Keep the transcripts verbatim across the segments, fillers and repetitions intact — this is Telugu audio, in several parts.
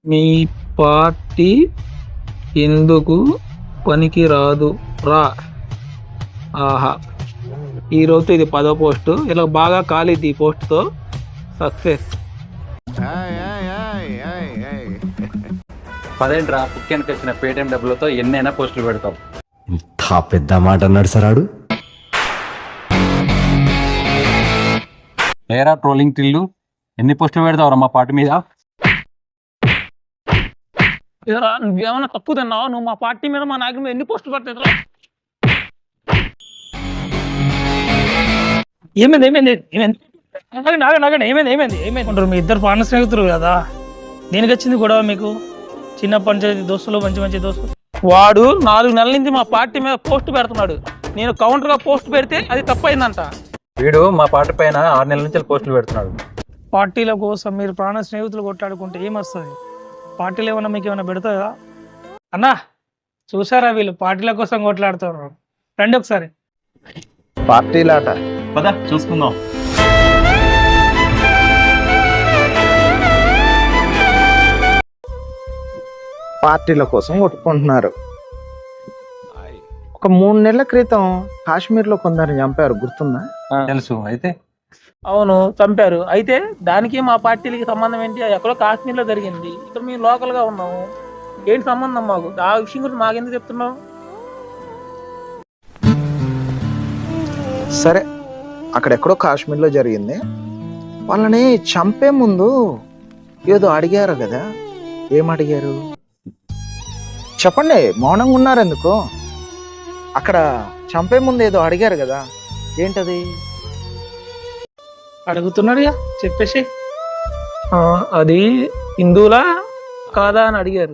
మీ పార్టీ ఎందుకు పనికిరాదు రా. ఆహా, ఈరోజు ఇది పదో పోస్టు. ఇలా బాగా కాలిద్ది ఈ పోస్టుతో. సక్సెస్. పదేంట్రా పుక్కెనికి వచ్చిన పేటిఎం డబ్బులతో ఎన్నైనా పోస్టులు పెడతాం. ఇంత పెద్ద మాట అన్నాడు సరాడు. ఏరా ట్రోలింగ్ టిల్లు, ఎన్ని పోస్టులు పెడతావురా మా పార్టీ మీద? ఏరా నువ్వేమన్నా తప్పు తిన్నావు? నువ్వు మా పార్టీ మీద మా నాయకుడి మీద ఎన్ని పోస్టులు పట్టేదిరా? ఏమైంది ఏమైంది ఏమైంది నాగండి నాగండి నాగండి ఏమైంది ఏమైంది ఏమైంది అంటారు? మీ ఇద్దరు ప్రాణ స్నేహితులు కదా, దేనికి వచ్చింది గొడవ మీకు? చిన్న పంచాయతీ దోస్తులు, మంచి మంచి దోస్తులు. వాడు నాలుగు నెలల నుంచి మా పార్టీ మీద పోస్ట్ పెడుతున్నాడు. నేను కౌంటర్గా పోస్ట్ పెడితే అది తప్పైందంట. వీడు మా పార్టీ పైన ఆరు నెలల నుంచి పోస్టులు పెడుతున్నాడు. పార్టీల కోసం మీరు ప్రాణ స్నేహితులు కొట్లాడుకుంటే ఏమొస్తుంది? పార్టీలు ఏమన్నా మీకు ఏమైనా పెడతాయా? అన్నా చూసారా, వీళ్ళు పార్టీల కోసం కొట్లాడుతున్నారు. రండి ఒకసారి. పార్టీలాట పద చూసుకుందాం. పార్టీల కోసం కొట్టుకుంటున్నారు. ఒక మూడు నెలల క్రితం కాశ్మీర్లో కొందరిని చంపారు, గుర్తుందా? తెలుసు. అయితే అవును, చంపారు. అయితే దానికి మా పార్టీలకి సంబంధం ఏంటి? ఎక్కడో కాశ్మీర్లో జరిగింది, ఇక్కడ మేము లోకల్గా ఉన్నాము. ఏంటి సంబంధం మాకు? ఆ విషయం గురించి మాకెందుకు చెప్తున్నావు? సరే, అక్కడెక్కడో కాశ్మీర్లో జరిగింది. వాళ్ళని చంపే ముందు ఏదో అడిగారు కదా, ఏం అడిగారు చెప్పండి? మౌనంగా ఉన్నారు ఎందుకు? అక్కడ చంపే ముందు ఏదో అడిగారు కదా, ఏంటది? అడుగుతున్నాడు, చెప్పేసి. అది హిందువులా కాదా అని అడిగారు.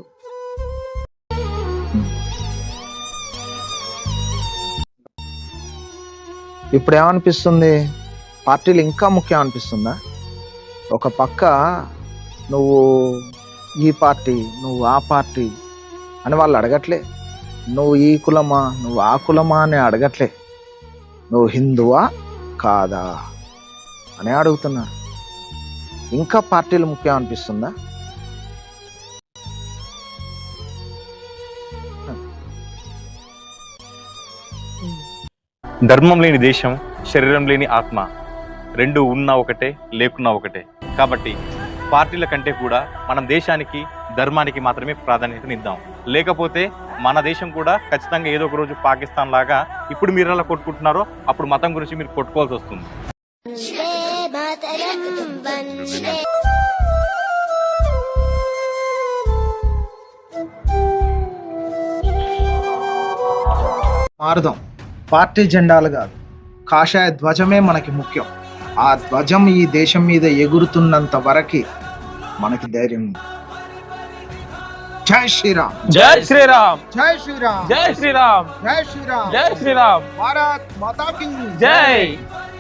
ఇప్పుడు ఏమనిపిస్తుంది? పార్టీలు ఇంకా ముఖ్యం అనిపిస్తుందా? ఒక పక్క నువ్వు ఈ పార్టీ, నువ్వు ఆ పార్టీ అని వాళ్ళు అడగట్లే. నువ్వు ఈ కులమా, నువ్వు ఆ కులమా అని అడగట్లే. నువ్వు హిందువా కాదా అని అడుగుతున్నా. ఇంకా పార్టీలు ముఖ్యం అనిపిస్తుందా? ధర్మం లేని దేశం, శరీరం లేని ఆత్మ, రెండు ఉన్నా ఒకటే, లేకున్నా ఒకటే. కాబట్టి పార్టీల కంటే కూడా మనం దేశానికి, ధర్మానికి మాత్రమే ప్రాధాన్యతనిద్దాం. లేకపోతే మన దేశం కూడా ఖచ్చితంగా ఏదో ఒక రోజు పాకిస్తాన్ లాగా ఇప్పుడు మీరు ఎలా కొట్టుకుంటున్నారో అప్పుడు మతం గురించి మీరు కొట్టుకోవాల్సి వస్తుంది. మారుదాం. పార్టీ జెండాలు కాదు, కాషాయ ధ్వజమే మనకి ముఖ్యం. ఆ ధ్వజం ఈ దేశం మీద ఎగురుతున్నంత వరకు మనకి ధైర్యం ఉంది. జై శ్రీరామ్, జై శ్రీరామ్, జై శ్రీరామ్, జై శ్రీరామ్, జై శ్రీరామ్, జై శ్రీరామ్, భారత్ మాతా కీ జై.